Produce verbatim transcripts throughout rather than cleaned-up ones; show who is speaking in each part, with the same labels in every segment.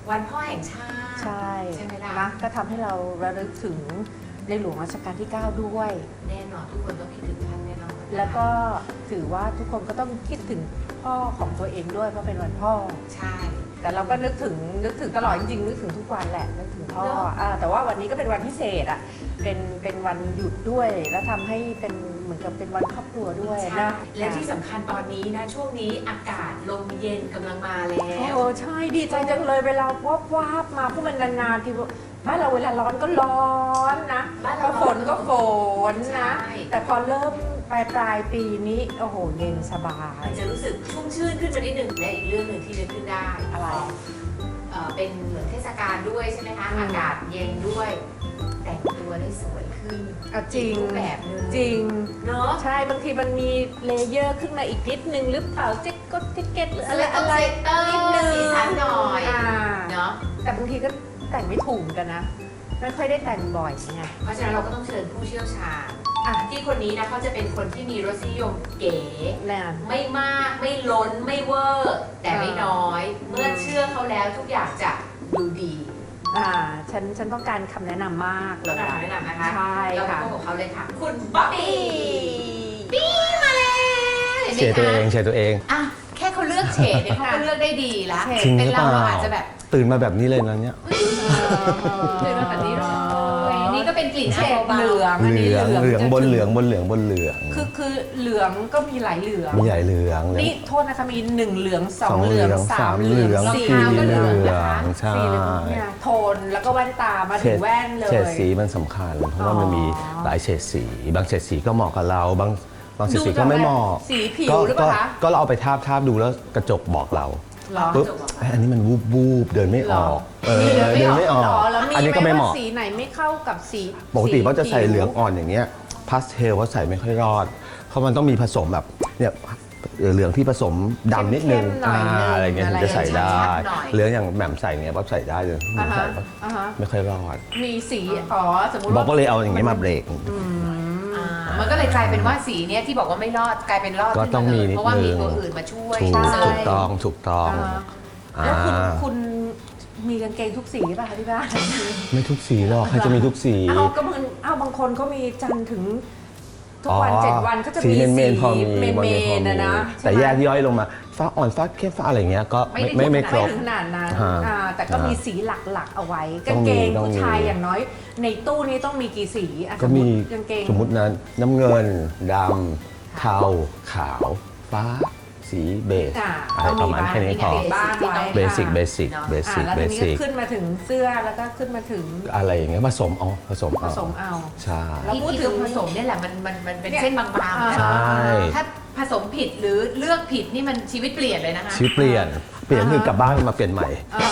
Speaker 1: วันพ่อแห่งชาติ
Speaker 2: ใช่
Speaker 1: ใช่ไหมล่ะ
Speaker 2: นะก็ทำให้เราระลึกถึงในหลวงรัชกาลที่ เก้า ด้วย
Speaker 1: แน่นอนทุกคนต้องคิดถึงท่านแน่นอน
Speaker 2: แล้วก็ถือว่าทุกคนก็ต้องคิดถึงพ่อของตัวเองด้วยเพราะเป็นวันพ่อ
Speaker 1: ใช่
Speaker 2: แต่เราก็นึกถึงนึกถึงตลอดจริงๆนึกถึงทุกวันแหละนึกถึงพ่ออ่าแต่ว่าวันนี้ก็เป็นวันพิเศษอ่ะเป็นเป็นวันหยุดด้วยแล้วทำให้เป็นเหมือนกับเป็นวันครอบครัวด้วยนะ
Speaker 1: และที่สำคัญตอนนี้นะช่วงนี้อากาศลมเย็นกำลังมาแล้ว
Speaker 2: โอ้ใช่ดีใจจังเลยเวลาวับวับมาเพราะมันนานๆทีบ้านเราเวลาร้อนก็ร้อนนะพอฝนก็ฝนนะแต่พอเริ่มปลายปลายปีนี้โอ้โหเย็นสบาย
Speaker 1: มันจะรู้สึกชุ่มชื่นขึ้นมานิดหนึ่งและอีกเรื่องหนึ่งที่นึกขึ้นได้
Speaker 2: อะไร
Speaker 1: เอ่อเป็นเหมือนเทศกาลด้วยใช่ไหมคะอากาศเย็นด้วยแต่งตัวได้สวยขึ้น
Speaker 2: เอาจริง
Speaker 1: แบบนึง
Speaker 2: จริง
Speaker 1: เนาะ
Speaker 2: ใช่บางทีมันมีเลเยอร์ขึ้นมาอีกนิดนึงหรือเปล่าแจ็คก็แจ็คเก็ตหรืออะไรอะไร
Speaker 1: นิดนึงสีสันหน่อยเนาะ
Speaker 2: แต่บางทีก็แต่งไม่ถูกกันนะไม่ค่อยได้แต่งบ่อยไง
Speaker 1: เพราะฉะนั้นเราก็ต้องเชิญผู้เชี่ยวชาญอ่ะที่คนนี้นะเขาจะเป็นคนที่มีรสนิยมเก๋ไม่มากไม่ล้นไม่เวอร์แต่ไม่น้อยเมื่อเชื่อเขาแล้วทุกอย่างจะดูดี
Speaker 2: อ่าฉันฉันต้องการคำแนะนำมาก
Speaker 1: เลยคำแนะนำนะคะ
Speaker 2: ใช่ค่ะ
Speaker 1: เราพบกับเขาเลยค่ะคุณบ๊อบบี้บี้มาเลย
Speaker 3: เฉดตัวเองเฉดตัวเอง
Speaker 1: อ่ะแค่เขาเลือกเฉดเนี่ยเขาก็เลือกได้ดีแล้ว
Speaker 3: เป็น
Speaker 1: เราอาจจะแบบ
Speaker 3: ตื่นมาแบบนี้เลยนะเนี่ย
Speaker 1: ตื่นมาแบบนี้เลยนี่ก็เป็นกลิ่น
Speaker 2: เฉดเหลือง
Speaker 3: เหลืองเหลืองบนเหลืองบนเหลืองบนเหลือง
Speaker 2: คือคือเหลืองก็มีหลายเหลือง
Speaker 3: มีหลายเหลือง
Speaker 2: นี่โทษนะคะมีหนึ่งเหลืองสองเหลืองสามเหลืองสี่
Speaker 3: เหลืองใช่
Speaker 2: โทนแล้วก็แว่นตามาถึงแว่นเลย
Speaker 3: เฉดสีมันสำคัญเพราะว่ามันมีหลายเฉดสีบางเฉดสีก็เหมาะกับเราบางบางเฉดสีก็ไม่เหมาะ
Speaker 2: สีผิวหรือเปล่าคะ
Speaker 3: ก็เราเอาไปทาบทาบดูแล้วกระจกบอกเราปุ๊บอันนี้มันวูบวูบเดินไม่ออกเออเดินไม่ออก
Speaker 2: อันนี้ก็ไม่เหมาะสีไหนไม่เข้ากับสี
Speaker 3: ปกติเขาจะใส่เหลืองอ่อนอย่างเงี้ยพาสเทลเขาใส่ไม่ค่อยรอดเพราะมันต้องมีผสมแบบเนี่ยเหลืองที่ผสมดำนิดนึงอะไรเงี้ยถึงจะใส่ได้เหลืองอย่างแหม่มใส่เงี้ยป๊อบใส่ได้เลยไม่ใส่ไม่ค่อยรอด
Speaker 2: มีสีอ๋อสมมติ
Speaker 3: บอกก็เลยเอาอย่างเงี้ยมาเบรก
Speaker 1: มันก็เลยกลายเป็นว่าสีเนี้ยที่บอกว่าไม่รอดกลายเป็นรอด
Speaker 3: ก็ต้องมีนิดนึง
Speaker 1: เพราะว่ามีตัวอื่นมาช่วย
Speaker 3: ถูกต้องถูกต้อง
Speaker 2: แล้วคุณคุณมีกางเกงทุกสีป่ะคะที่บ้าน
Speaker 3: ไม่ทุกสีหรอกใครจะมีทุกสี
Speaker 2: เอาก็มันเอาบางคนเขามีจันถึงทุกวันเจ็ดวันก็จะมีสี
Speaker 3: เมนพอมี
Speaker 2: เมนนะนะ
Speaker 3: แต่แยกย่อยลงมาฟ้าอ่อนฟ้าเข้มฟ้าอะไรเงี้ยก็ไม่ไม่ครบ
Speaker 2: ขนาดนั้นแต่ก็มีสีหลักๆเอาไว้กางเกงผู้ชายอย่างน้อยในตู้นี้ต้องมีกี่สี
Speaker 3: ก็มีสมมตินั้นน้ำเงินดำเทาขาวฟ้าสีเบจอะไรประมาณแค่นี้พอเบสิกเบสิกเบสิกเบสิก
Speaker 2: ขึ้นมาถึงเสื้อแล้วก็ขึ้นมาถึง
Speaker 3: อะไรอย่างเงี้ยผสมเอาผสมเอา
Speaker 2: ผสมเอา
Speaker 3: ใช่
Speaker 1: แล้วพูดถึงผสมเนี่ยแหละมันมันมันเป็นเส้นบางๆ
Speaker 3: ใช่
Speaker 1: ถ้าผสมผิดหรือเลือกผิดนี่มันชีวิตเปลี่ยนเลยนะคะ
Speaker 3: ชีวิตเปลี่ยนเปลี่ยนคือกลับบ้านมาเปลี่ยนใหม่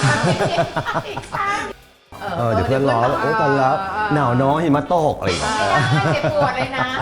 Speaker 3: เออเดี๋ยวเพื่อนล้อโอ้ตอนแล้วหนาวน้อยหิมะตกอะไรอย่างเงี้ย
Speaker 1: เจ็บปวดเลยนะ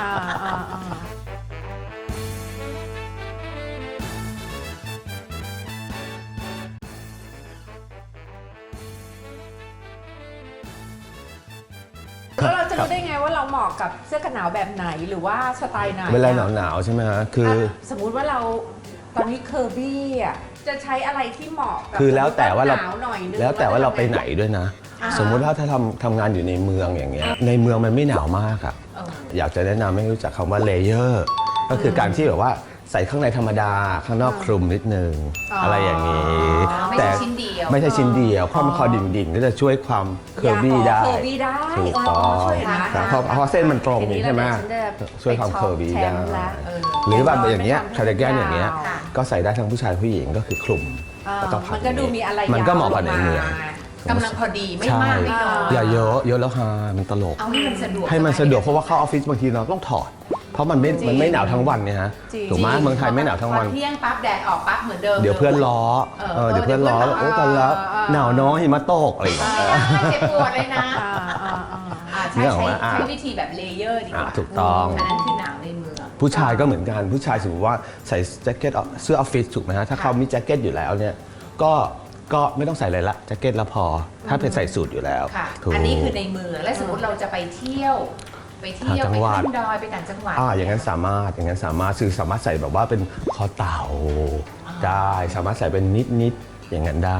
Speaker 2: แล้วเราจะรู้ได้ไงว่าเราเหมาะกับเสื้อกันหนาวแบบไหนหรือว่าสไตล์ไหน
Speaker 3: เวลาหนาวหนาวใช่ไหมฮะคือ
Speaker 2: สมมุติว่าเราตอนนี้เคอร์บี้อ่ะจะใช้อะไรที่เหมาะกับ
Speaker 3: คือแล้วแต่ว่าเรา
Speaker 2: แ
Speaker 3: ล้วแต่ว่าเราไปไหนด้วยนะสมมุติว่าถ้าทำทำงานอยู่ในเมืองอย่างเงี้ยในเมืองมันไม่หนาวมากอะอยากจะแนะนำให้รู้จักคำว่าเลเยอร์ก็คือการที่แบบว่าใส่ข้างในธรรมดาข้างนอกคลุมนิดนึงอะไรอย่างนี้
Speaker 1: แต่ไม่ใช่ชิ้นเดียว
Speaker 3: ไม่ใช่ชิ้นเดียวความคอดิ่งๆก็จะช่วยความเคอร์บี้ได้ถูกต้องเพราะเพราะเส้นมันตรงใช่ไหมช่วยความเคอร์บี้ได้หรือแบบอย่างเงี้ยคาร์ดิแกนอย่างเงี้ยก็ใส่ได้ทั้งผู้ชายผู้หญิงก็คือคลุม
Speaker 2: แล้วก็พันมันก็ดูมีอะไร
Speaker 3: มันก็เหมาะกับในเมือง
Speaker 1: กำลังพอดีไม่มากไม่น้อย
Speaker 3: อย่าเยอะเยอะแล้วฮะมันตลก
Speaker 1: เอาให้มันสะดวก
Speaker 3: ให้มันสะดวกเพราะว่าเข้าออฟฟิศบางทีเราต้องถอดเพราะมันไม่มันไม่หนาวทั้งวันเนี่ยฮะถูกไหมเมืองไทยไม่หนาวทั้งวัน
Speaker 1: เที่ยงปั๊บแดดออกปั๊บเหมือนเดิม
Speaker 3: เดี๋ยวเพื่อนล้อเออเดี๋ยวเพื่อนล้อโอ้ตอนแล้วหนาวน้อยหิมะตกอะไรอย่างเงี้ย
Speaker 1: เจ็บปวดเลยนะใช้ใช้วิธีแบบเลเยอร์ดีกว่า
Speaker 3: ถูกต้อง
Speaker 1: อันนั้นคือหนาวในเมือง
Speaker 3: ผู้ชายก็เหมือนกันผู้ชายสมมติว่าใส่แจ็คเก็ตเสื้อออฟฟิศถูกไหมฮะถ้าเขามีแจ็คเก็ตอยู่แล้วเนี่ยก็ก็ไม่ต้องใส่อะไรละแจ็คเก็ตละพอถ้าเป็นใส่สูทอยู่แล้ว
Speaker 1: อันนี้คือในเมืองและสมมติเราจะไปเที่ยวไปเที่ยวไปขึ้นดอยไปต่างจังหวัด
Speaker 3: อ่าอย่างนั้นสามารถอย่างนั้นสามารถซื้อสามารถใส่แบบว่าเป็นคอเต่าได้สามารถใส่เป็นนิดนิดอย่างนั้นได้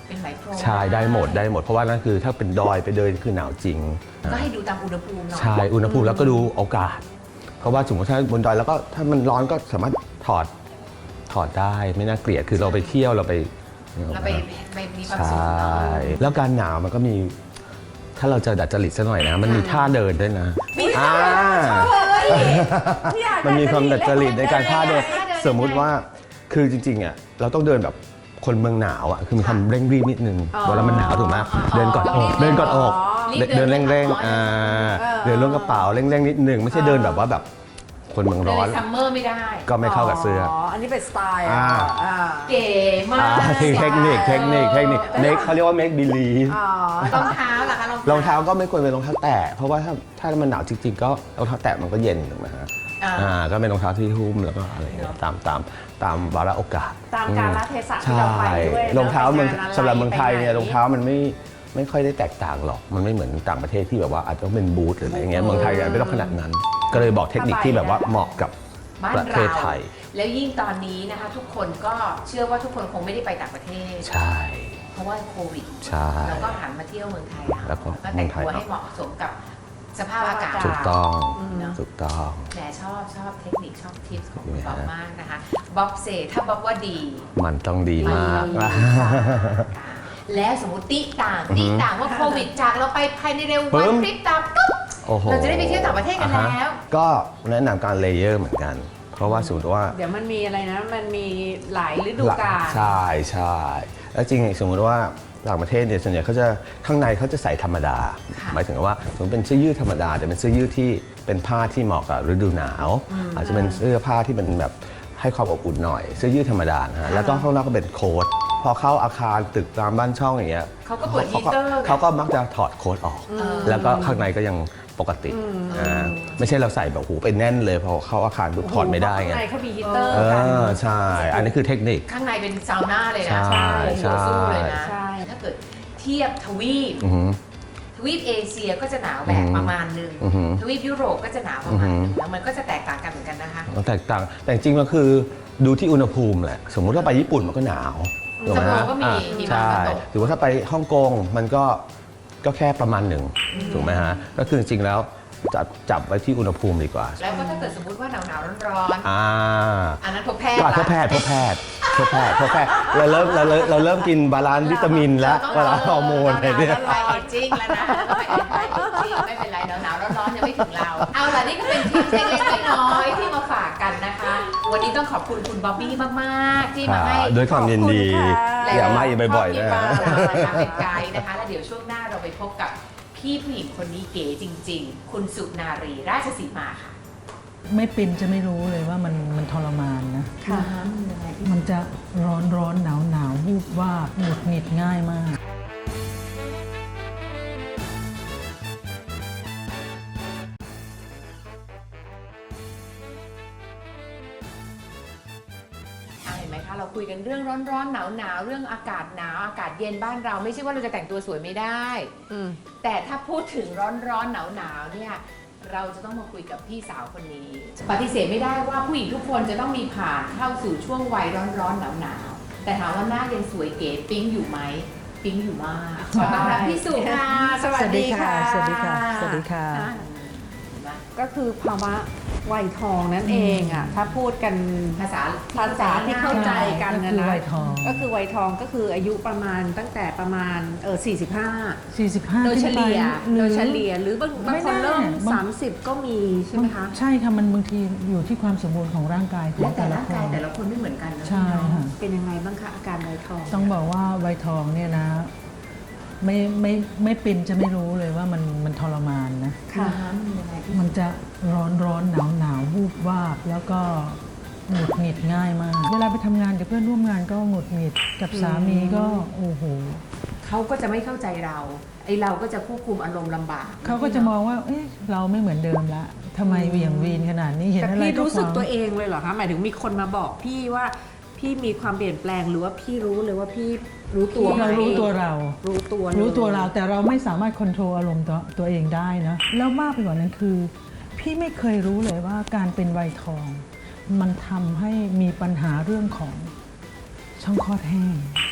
Speaker 1: เป็นไหมพรม
Speaker 3: ใช่ได้หมดได้หมดเพราะว่านั่นคือถ้าเป็นดอยไปเดินคือหนาวจริง
Speaker 1: ก็ให้ดูตามอุณหภูมิหน่อย
Speaker 3: ใช่อุณหภูมิแล้วก็ดูโอกาส เพราะว่าสมมติถ้าบนดอยแล้วก็ถ้ามันร้อนก็สามารถถอดถอดได้ไม่น่าเกลียดคือเราไปเที่ยวเราไป
Speaker 1: เราไปไปมีความ
Speaker 3: ใช
Speaker 1: สุข่ เนาะ
Speaker 3: แล้วการหนาวมันก็มี ถ้าเราจะดัดจริตซะหน่อยนะ มันมีท่าเดินด้วยนะ
Speaker 1: มีท่า
Speaker 3: อ่า
Speaker 2: อยาก
Speaker 3: มันมีความดัดจริตในการท่าเดิน
Speaker 1: ท่าเดิน
Speaker 3: สมมุติว่าคือจริงๆอ่ะเราต้องเดินแบบคนเมืองหนาวอ่ะคือมีความเร่งรีบนิดนึงเวลามันหนาวถูกไหมเดินกอดอกเดินกอดอกเดินเร่งๆอ่าเดินล้วงกระเป๋าเร่งๆนิดนึงไม่ใช่เดินแบบว่าแบบคนเมือง
Speaker 1: เดิน
Speaker 3: ร้อน
Speaker 1: ในซัมเมอร์ไม่ได้
Speaker 3: ก็ไม่เข้ากับเสื้อ
Speaker 2: อ๋ออันนี้เป็นสไตล์
Speaker 3: อ่า
Speaker 2: อ่า
Speaker 1: เก๋มา
Speaker 3: อ่าก เทคนิคเทคนิคเทคนิคเมคเขาเรียกว่า make believe
Speaker 2: อ๋อ
Speaker 1: รองเท้าล่ะคะ
Speaker 3: รองเท้าก็ไม่ควรเป็นรองเท้าแตะเพราะว่าถ้าถ้ามันหนาวจริงๆก็รองเท้าแตะมันก็เย็นถูกไหมฮะ
Speaker 1: อ่า
Speaker 3: อ่าก็เป็นรองเท้าที่หุ้มแล้วก็อะไรอย่างเงี้ยตามตามตามวาระโอกาส
Speaker 2: ตามกาลเทศะที่
Speaker 3: ใช่
Speaker 2: เราไปด้วยนะ
Speaker 3: รองเท้าเมือง
Speaker 2: ไปงานอะไร
Speaker 3: สำหรับเมืองไทยเนี่ย
Speaker 2: ไปไหน
Speaker 3: รองเท้ามันไม่ไม่ค่อยได้แตกต่างหรอกมันไม่เหมือนต่างประเทศที่แบบว่าอาจจะต้องเป็นบูทหรืออะไรอย่างเงี้ยเมืองไทยไม่ต้องขนาดนั้น ก็เลยบอกเทคนิคที่แบบว่าเหมาะกับ
Speaker 1: บ้าน
Speaker 3: ประเท
Speaker 1: เรา
Speaker 3: ศไทย
Speaker 1: แล้วยิ่งตอนนี้นะคะ ทุกคนก็เชื่อว่าทุกคนคงไม่ได้ไปต่างประเทศ
Speaker 3: ใช่
Speaker 1: เพราะว่าโควิด
Speaker 3: ใช่
Speaker 1: เราก็หันมาเที่ยวเมืองไทยเอา
Speaker 3: แล้วก็
Speaker 1: ก็แต่งตัวให้เหมาะสมกับสภาพอากาศ
Speaker 3: ถูกต้อง
Speaker 1: เนอะ
Speaker 3: ถูกต้อง
Speaker 1: แหมชอบชอบเทคนิคชอบทิปของคุณ
Speaker 3: เนี่ย
Speaker 1: บ๊อบมากนะคะบ๊อบเซถ้าบ๊อบว่าดี
Speaker 3: มันต้องดีมาก
Speaker 1: แล้วสมมติติต่าง
Speaker 3: อือฮึ
Speaker 1: ติต่างว่าโควิดจากเราไปภายในเร็ว
Speaker 3: ปึ้
Speaker 1: วัน
Speaker 3: ม
Speaker 1: พริบตาปุ๊บ
Speaker 3: โอ้โห
Speaker 1: เราจะได้ไปเที่ยวต่างประเทศกันแล้ว
Speaker 3: อ่าฮะก็แนะนำการเลเยอร์เหมือนกัน เพราะว่าสมมติว่า
Speaker 2: เดี๋ยวมันมีอะไรนะ มันมีหลายฤดูกาล
Speaker 3: ใช่ใช่แล้วจริงๆสมมติว่าต่างประเทศเนี่ยส่วนใหญ่เขาจะข้างในเขาจะใส่ธรรมดา หมายถึงว่าสมมติเป็นเสื้อยืดธรรมดาแต่เป็นเสื้อยืดที่เป็นผ้าที่เหมาะกับฤดูหนาว อาจจะเป็นเสื้อผ้าที่เป็นแบบให้ความอบอุ่นหน่อย เสื้อยืดธรรมดานะฮะแล้วก็ข้างนอกก็เป็นโค้ทพอเข้าอาคารตึกตามบ้านช่องอย่างเงี้ย
Speaker 1: เขาก็เปิดฮีเตอร์
Speaker 3: เขาก็มักจะถอดโค้ทออก แล้วก็ข้างในก็ยังปกติอ่าไม่ใช่เราใส่แบบหูไปแน่นเลยพอเข้าอาคารปุ๊บถอดไม่ได้ไง
Speaker 2: ข้างในเขามีฮีเตอร์
Speaker 3: เอ
Speaker 2: กัน
Speaker 3: อใช่ อันนี้คือเทคนิค
Speaker 1: ข้างในเป็นซาวน่าเลยนะ
Speaker 3: ใช่
Speaker 1: โอ้โห
Speaker 3: ใช่
Speaker 1: สู้เลยนะ
Speaker 2: ใช่
Speaker 1: ถ้าเกิดเทียบทวีป
Speaker 3: อือหือ
Speaker 1: ทวีปเอเชียก็จะหนาวแบ
Speaker 3: อื
Speaker 1: บ
Speaker 3: อหือ
Speaker 1: ประมาณหนึ่ง
Speaker 3: อือหือ
Speaker 1: ทวีปยุโรปก็จะหนาวประมาณหนึ่ง
Speaker 3: อือหือ
Speaker 1: แล้วมันก็จะแตกต่างกันเหมือนกันนะคะ
Speaker 3: มันแตกต่างแต่จริงๆมันคือดูที่อุณหภูมิแหละ สมมุติว่าไปญี่ปุ่นมันก็หนาวถูกไหม
Speaker 1: ซัปโปโร
Speaker 3: ฮะ
Speaker 1: ก็มี
Speaker 3: อ่ะ
Speaker 1: หิมะ
Speaker 3: ใช่
Speaker 1: มาตก
Speaker 3: หรือว่าถ้าไปฮ่องกงมันก็ก็แค่ประมาณหนึ่งถูกไหมฮะก็คือจริงๆแล้วจับจับไว้ที่อุณหภูมิดีกว่า
Speaker 1: แล้วก็ถ้าเกิดสมมติว่าหนาวหนาวๆร้อน
Speaker 3: อ่า
Speaker 1: ๆอันนั้นพบแพทย์
Speaker 3: ก็
Speaker 1: ละ
Speaker 3: พบแพทย์พบแพทย์พบแพทย์พบแพทย์เราเริ่มเราเริ่มเราเริ่มกินบาลานซ์วิตามินแล้วบาลานซ์ฮอร์โมนอะไรเนี่ย
Speaker 1: ไปเอจจิ้งแล้วนะไปเอจจิ้งไม่เป็นไรหนาวหนาวๆร้อนๆยังไม่ถึงเรา เอาล่ะนี่ก็เป็นทิปเล็กๆน้อยๆที่มาฝากกันนะคะ วันนี้ต้องขอบคุณคุณบ๊อบบี้มากๆที่มาให้
Speaker 3: ด้วยความยินดี
Speaker 2: ขอบคุณค่ะ
Speaker 3: อย่ามาอีกบ่อยๆนะ
Speaker 1: มา
Speaker 3: ฮะ
Speaker 1: เราเป็นไกด์นะคะ แล้วเดี๋ยวช่วงหน้าเราไปพบกับพี่ผู้หญิงคนนี้เก๋จริง ๆ คุณสุนารีราชสีมาค่ะ
Speaker 4: ไม่เป็นจะไม่รู้เลยว่ามันมันทรมานนะ
Speaker 2: ค่ะ
Speaker 4: มันจะร้อนร้อนหนาวหนาววูบว่าบหงุดหงิดง่ายมาก
Speaker 1: เห็นไหมคะเราคุยกันเรื่องร้อนๆหนาวๆเรื่องอากาศหนาวอากาศเย็นบ้านเราไม่ใช่ว่าเราจะแต่งตัวสวยไม่ได้
Speaker 2: อืม
Speaker 1: แต่ถ้าพูดถึงร้อนๆหนาวๆเนี่ยเราจะต้องมาคุยกับพี่สาวคนนี้ ปฏิเสธไม่ได้ว่าผู้หญิงทุกคนจะต้องมีผ่านเข้าสู่ช่วงวัยร้อนๆหนาวๆแต่ถามว่าหน้ายังสวยเก๋ปิ๊งอยู่ไหมปิ๊งอยู่มากขอต้อนรับพี่สุค่ะ
Speaker 2: สวัสดีค่ะ
Speaker 4: สวัสดีค่ะสวัสดีค่ะ
Speaker 1: เห็นไหม
Speaker 2: ก็คือภาวะวัยทองนั่นเองอ่ะ ถ้าพูดกัน
Speaker 1: ภาษา
Speaker 2: ภาษาที่เข้าใจกัน
Speaker 4: ก็
Speaker 2: นะ
Speaker 4: คือ
Speaker 2: นะ
Speaker 4: วัยทอง
Speaker 2: ก็คือวัยทองก็คืออายุประมาณตั้งแต่ประมาณเออสี่สิบห้า
Speaker 4: สี่สิบห้า
Speaker 2: โดยเฉลี่ย
Speaker 4: ห
Speaker 2: โด
Speaker 4: รื
Speaker 2: ย
Speaker 4: อ
Speaker 2: เฉลี่ยหรือบางบาง
Speaker 4: ไม่
Speaker 2: คนเริ่ม
Speaker 4: แน่บาง
Speaker 2: สามสิบก็มีใช่ไหมคะ
Speaker 4: ใช่ค่ะมันบางทีอยู่ที่ความสมบูรณ์ของร่างกายขอ
Speaker 1: และ
Speaker 4: ง
Speaker 1: แต่
Speaker 4: แต่ละ
Speaker 1: ร่าง
Speaker 4: ค
Speaker 1: กาย
Speaker 4: น
Speaker 1: แต่ละคนไม่เหมือนกันนะ
Speaker 4: ใช่ค่ะ
Speaker 2: เป็นยังไงบ้างคะอาการวัยทอง
Speaker 4: ต้องบอกว่าวัยทองเนี่ยนะ ไม่ไม่ไม่เป็นจะไม่รู้เลยว่ามันมันทรมานนะ
Speaker 2: ค่ะ
Speaker 1: น้ำมันยังไงพี่
Speaker 4: มันจะร้อนร้อนหนาวหนาววูบวาบแล้วก็หงุดหงิดง่ายมาก เวลาไปทำงานกับเพื่อนร่วมงานก็หงุดหงิดกับสามีก็โอ้โห
Speaker 1: เขาก็จะไม่เข้าใจเราไอเราก็จะควบคุมอารมณ์ลำบาก
Speaker 4: เขาก็จะมองว่า เอ๊ะเราไม่เหมือนเดิมละทำไมเหวี่ยงวีนขนาดนี้เห็น
Speaker 2: แต่
Speaker 4: อะไร
Speaker 2: พี่
Speaker 4: ก็
Speaker 2: รู้สึก
Speaker 4: ฟัง
Speaker 2: ตัวเองเลยเหรอคะหมายถึงมีคนมาบอกพี่ว่าพี่มีความเปลี่ยนแปลงหรือว่าพี่รู้เลยว่าพี่รู้ตัวไหม
Speaker 4: เรารู้ตัวเรา
Speaker 2: รู้ตัวเลย
Speaker 4: รู้ตัวเราแต่เราไม่สามารถควบคุมอารมณ์ตัวตัวเองได้นะแล้วมากไปกว่านั้นคือ พี่ไม่เคยรู้เลยว่าการเป็นวัยทอง มันทำให้มีปัญหาเรื่องของช่องคลอดแห้ง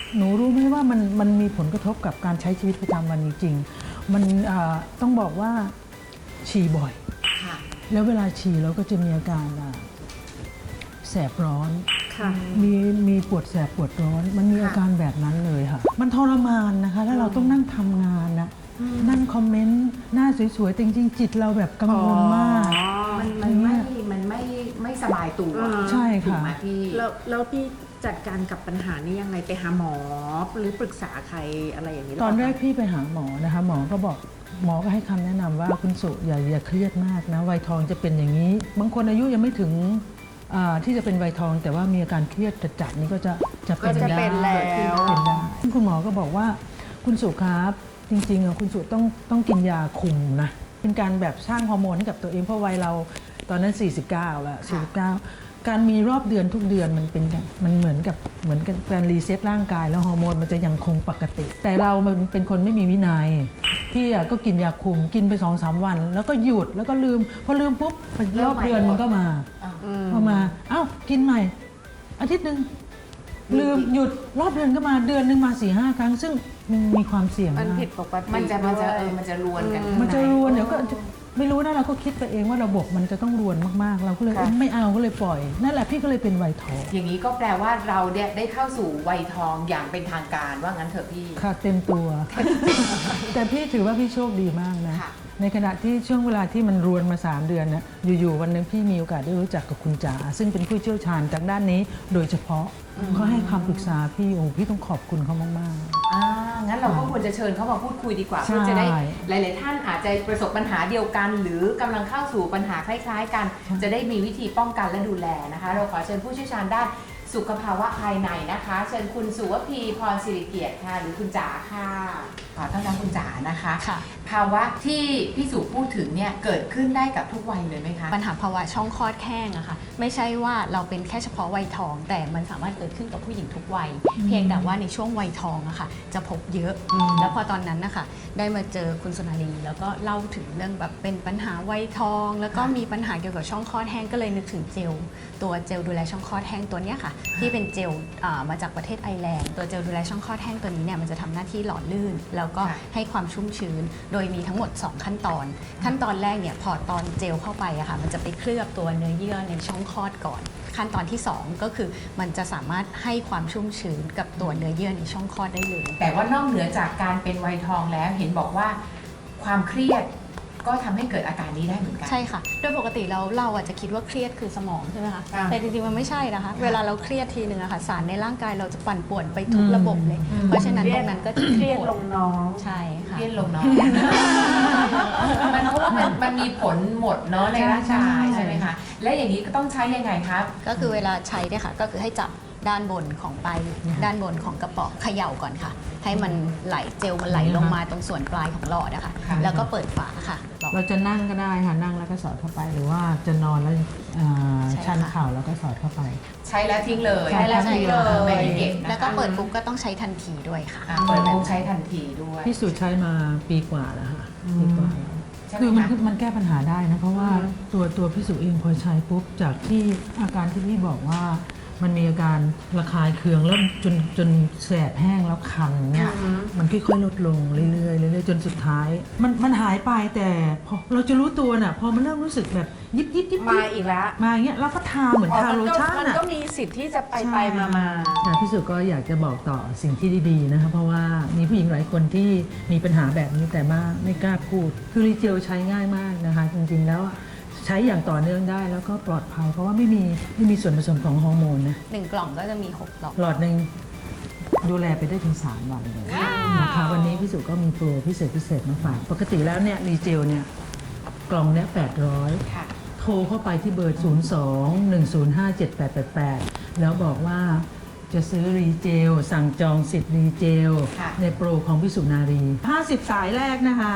Speaker 4: หนูรู้ไหมว่ามันมันมีผลกระทบกับการใช้ชีวิตประจำวันจริงๆมันอ่าต้องบอกว่าฉี่บ่อย
Speaker 1: ค่ะ
Speaker 4: แล้วเวลาฉี่เราก็จะมีอาการอ่าแสบร้อน
Speaker 2: ค่ะ
Speaker 4: มีมีปวดแสบปวดร้อน มันมีอาการแบบนั้นเลยค่ะ มันทรมานนะคะ แล้วเราต้องนั่งทำงานนะนั่งคอมเมนต์หน้าสวยๆแต่จริงๆจิตเราแบบกังวลมาก
Speaker 1: มันมันไม่ มันไม่ไม่สบายตัว
Speaker 2: อ่า
Speaker 4: ใช่
Speaker 1: ถูก
Speaker 4: ค่ะ
Speaker 1: ไหมพี่
Speaker 2: แล้วแล้วพี่จัดการกับปัญหานี้ยังไงไปหาหมอหรือปรึกษาใครอะไรอย่างนี้ห
Speaker 4: ตอนแรก
Speaker 2: เปล่าคะ
Speaker 4: พี่ไปหาหมอนะคะหมอก็บอกหมอก็ให้คำแนะนำว่าคุณสุอย่าอย่าเครียดมากนะวัยทองจะเป็นอย่างนี้ บางคนอายุยังไม่ถึงอ่าที่จะเป็นวัยทอง แต่ว่ามีอาการเครียดจัดๆนี่ก็จะจะเป็น
Speaker 2: ก็จะเป็น
Speaker 4: ได้
Speaker 2: แล้ว
Speaker 4: เป็นได้ซึ่งคุณหมอก็บอกว่าคุณสุครับจริงๆอ่ะคุณสุต้องต้องกินยาคุมนะเป็นการแบบสร้างฮอร์โมนให้กับตัวเองเพราะวัยเราตอนนั้น สี่สิบเก้า แล้วสี่สิบเก้าการมีรอบเดือนทุกเดือนมันเป็นมันเหมือนกับเหมือนกับการรีเซ็ตร่างกายแล้วฮอร์โมนมันจะยังคงปกติ แต่เรามันเป็นคนไม่มีวินัยพี่อ่ะก็กินยาคุมกินไป สองสาม วัน แล้วก็หยุดแล้วก็ลืมพอลืมปุ๊บรอบเดือนมันก็มาพอมาเอ้ากินใหม่ อาทิตย์หนึ่งลืมหยุดรอบเดือนก็มาเดือนหนึ่งมาสี่ห้าครั้ง ซึ่งมันมีความเสี่ยง
Speaker 2: มัน
Speaker 4: มาก
Speaker 2: ผิดปกติ
Speaker 1: มันจะมันจะ
Speaker 2: ด้วย
Speaker 1: เออมันจะรวนกัน
Speaker 4: มันจะรวนเดี๋ยวก็จะไม่รู้นะเราก็คิดไปเองว่าระบบมันจะต้องรวนมากๆ เราก็เลย
Speaker 2: ค่ะ
Speaker 4: เอ้ยไม่เอาก็เลยปล่อย นั่นแหละพี่ก็เลยเป็นวัยทอง
Speaker 1: อย่างนี้ก็แปลว่าเราเนี่ยได้เข้าสู่วัยทองอย่างเป็นทางการว่างั้นเถอะพี่
Speaker 4: ค่ะเต็มตัว แต่พี่ถือว่าพี่โชคดีมากนะ
Speaker 1: ค่ะ
Speaker 4: ในขณะที่ช่วงเวลาที่มันรวนมา สาม เดือนนะอยู่ๆวันหนึงพี่มีโอกาสได้รู้จักกับคุณจ๋าซึ่งเป็นผู้เชี่ยวชาญจากด้านนี้โดยเฉพาะเขาให้คำปรึกษาพี่โอ้พี่ต้องขอบคุณเขามากๆ
Speaker 1: อ่างั้นเราก็ควรจะเชิญเขามาพูดคุยดีกว่า
Speaker 4: ใช่
Speaker 1: เพื่อจะได้หลาย ๆ ท่านอาจจะประสบปัญหาเดียวกัน หรือกำลังเข้าสู่ปัญหาคล้าย ๆ กัน จะได้มีวิธีป้องกันและดูแลนะคะ เราขอเชิญผู้เชี่ยวชาญด้านสุขภาวะภายในนะคะ เชิญคุณสุวพีพรศิริเกียรติค่ะหรือคุณจ๋าค่ะขอต้อนรับคุณจ๋านะคะ
Speaker 5: ค่ะ
Speaker 1: ภาวะที่พี่สุพูดถึงเนี่ยเกิดขึ้นได้กับทุกวัยเลยไหมคะ
Speaker 5: ปัญหาภาวะช่องคลอดแห้งอะค่ะไม่ใช่ว่าเราเป็นแค่เฉพาะวัยทอง แต่มันสามารถเกิดขึ้นกับผู้หญิงทุกวัย เพียงแต่ว่าในช่วงวัยทองอะค่ะจะพบเยอะ แล้วพอตอนนั้นนะคะได้มาเจอคุณสุนารีแล้วก็เล่าถึงเรื่องแบบเป็นปัญหาวัยทอง แล้วก็มีปัญหาเกี่ยวกับช่องคลอดแห้งก็เลยนึกถึงเจล ตัวเจลดูแลช่องคลอดแห้งตัวเนี้ยค่ะที่เป็นเจลอ่ามาจากประเทศไอร์แลนด์ตัวเจลดูแลช่องคลอดแห้งตัวนี้เนี่ยมันจะทำหน้าที่หล่อลื่น แล้วก็
Speaker 1: ค่ะ
Speaker 5: ให้ความชุ่มชื้น โดยมีทั้งหมด สอง ขั้นตอน ขั้นตอนแรกเนี่ยพอตอนเจลเข้าไปอะค่ะมันจะไปเคลือบตัวเนื้อเยื่อในช่องคลอดก่อน ขั้นตอนที่ สอง ก็คือมันจะสามารถให้ความชุ่มชื้นกับตัวเนื้อเยื่อในช่องคลอดได้เลย
Speaker 1: แต่ว่านอกเหนือจากการเป็นวัยทองแล้วเห็นบอกว่าความเครียดก็ทำให้เกิดอาการนี้ได้เหมือนกัน
Speaker 5: ใช่ค่ะ โดยปกติเราเราอาจจะคิดว่าเครียดคือสมองใช่ไหมคะ
Speaker 1: อ่า
Speaker 5: แต่จริงๆ มันไม่ใช่นะคะ เวลาเราเครียดทีหนึ่งอะค่ะ สารในร่างกายเราจะปั่นป่วนไปทุกระบบเลย เพราะฉะนั้นตรงนั้นก็จะ
Speaker 2: เครียดลงน้อง
Speaker 5: ใช่ค่ะ
Speaker 1: เครียดลงเนาะ มันเพราะว่ามันมันมีผลหมดเนาะในร่างกาย
Speaker 4: ใช่
Speaker 1: ใช่ไหมคะ และอย่างนี้ก็ต้องใช้ยังไงครับ
Speaker 5: ก็คือเวลาใช้เนี่ยค่ะ ก็คือให้จับด้านบนของปลายด้านบนของกระป๋องเขย่าก่อนค่ะ ให้มันไหลเจลมันไหลลงมาตรงส่วนปลายของหลอดนะคะ
Speaker 1: ค่ะ
Speaker 5: แล้วก็เปิดฝาค่ะหลอด
Speaker 4: เราจะนั่งก็ได้ค่ะนั่งแล้วก็สอดเข้าไป หรือว่าจะนอนแล้วอ่า
Speaker 5: ใช่ค่ะ
Speaker 4: ชันเข่าแล้วก็สอดเข้าไป
Speaker 1: ใช้แล้วทิ้งเลย
Speaker 4: ใช้แล้วทิ้งเลย
Speaker 1: ไม่ได้เก็บนะคะ
Speaker 5: แล้วก็เปิดปุ๊บก็ต้องใช้ทันทีด้วยค่ะ
Speaker 1: อ่ะเปิดปุ๊บใช้ทันทีด้วย
Speaker 4: พี่สุใช้มาปีกว่าแล้วค่ะปีกว่าแล้ว
Speaker 1: ใช่ไหม
Speaker 4: คือมัน
Speaker 1: คะ
Speaker 4: มันแก้ปัญหาได้นะเพราะว่าตัวตัวพี่สุเองพอใช้ปุ๊บจากที่อาการที่พี่บอกว่ามันมีอาการระคายเคืองแล้วจนจนแสบแห้งแล้วคันเนี่ยมันค่อยๆลดลงเรื่อยๆเรื่อยๆจนสุดท้าย มันมันหายไปแต่พอเราจะรู้ตัวน่ะพอมันเริ่มรู้สึกแบบยิบยิบยิบ
Speaker 2: มาอีกแล้ว
Speaker 4: มาอย่างเงี้ยเราก็ทาเหมือนทาโลชั่น
Speaker 2: มัน
Speaker 4: อ่ะ
Speaker 2: ก็มีสิทธิ์ที่จะไปไปมามา
Speaker 4: แต่พี่สุก็อยากจะบอกต่อสิ่งที่ดีๆนะคะเพราะว่ามีผู้หญิงหลายคนที่มีปัญหาแบบนี้แต่มาไม่กล้าพูด คือรีเจลใช้ง่ายมากนะคะ จริงๆแล้วใช้อย่างต่อเนื่องได้แล้วก็ปลอดภัย เพราะว่าไม่มีไม่มีส่วนผสมของฮอร์โมนนะ
Speaker 5: หนึ่งกล่องก็จะมีหกหลอด
Speaker 4: หลอดหนึ่งดูแลไปได้ถึงสามวันเลยนะคะวันนี้พี่สุก็มีโปรพิเศษพิเศษมาฝากปกติแล้วเนี่ยรีเจลเนี่ยกล่องเนี้ยแปดร้อย
Speaker 1: ค่ะ
Speaker 4: โทรเข้าไปที่เบอร์ ศูนย์ สอง หนึ่ง ศูนย์ ห้า เจ็ด แปด แปด แปด แล้วบอกว่าจะซื้อรีเจล สั่งจองสิทธิ์รีเจล
Speaker 1: ค่ะ
Speaker 4: ในโปรของพิสุนารี ห้าสิบ สายแรกนะคะ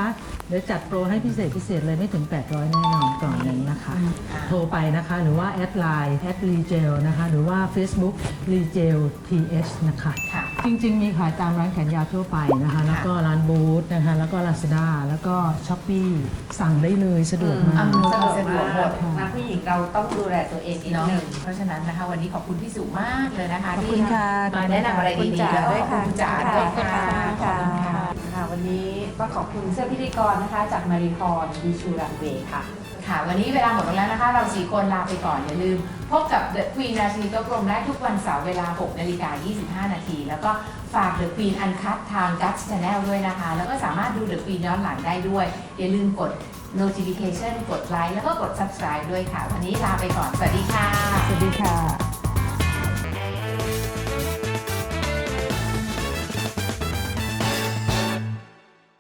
Speaker 4: เดี๋ยวจัดโปรให้พิเศษพิเศษเลยไม่ถึง แปดร้อย แน่นอนกล่องหนึงนะคะ โทรไปนะคะหรือว่าแอดไลน์แอดรีเจลนะคะหรือว่า Facebook รีเจล ที เอช นะคะ
Speaker 1: ค่ะ
Speaker 4: จริงๆ มีขายตามร้านแขนยาวทั่วไปนะคะ แล้วก็ร้านบูธนะคะ แล้วก็ Lazada แล้วก็ Shopee สั่งได้เลยสะดวกมาก
Speaker 1: อำนวยความสะดวกหมด
Speaker 2: นะผู้หญิงเราต้องดูแลตัวเองนิด
Speaker 1: เนาะ
Speaker 2: นึง
Speaker 1: เพราะฉะนั้นนะคะวันนี้ขอบคุณพี่สุมากเลยนะคะ
Speaker 4: ขอบ
Speaker 1: ที่
Speaker 4: คุณค่ะ
Speaker 1: มาแนะนำอะไร
Speaker 2: คุณ
Speaker 1: ดี
Speaker 2: จ๋า
Speaker 1: ๆแล้วก็
Speaker 2: ด้วย
Speaker 1: ขอบ
Speaker 2: ค่ะ
Speaker 1: คุณจ๋าด้วยค่ะ
Speaker 2: ค่ะ
Speaker 1: ขอบคุณค่ะ
Speaker 2: ค่ะ วันนี้ก็ขอบคุณเสื้อพิธีกรนะคะ จากมาริคอนดีชูรันเวย์ค่ะ
Speaker 1: ค่ะ วันนี้เวลาหมดลงแล้วนะคะ เราสี่คนลาไปก่อน อย่าลืม พบกับ The Queen ราชินีโต๊ะกลมได้ทุกวันเสาร์เวลา หกนาฬิกายี่สิบห้านาที แล้วก็ฝาก The Queen Uncut ทาง Guts Channel ด้วยนะคะ แล้วก็สามารถดู The Queen ย้อนหลังได้ด้วย อย่าลืมกด notification กดไลค์แล้วก็กด subscribe ด้วยค่ะ วันนี้ลาไปก่อน สวัสดีค่ะ
Speaker 4: สวัสดีค่ะ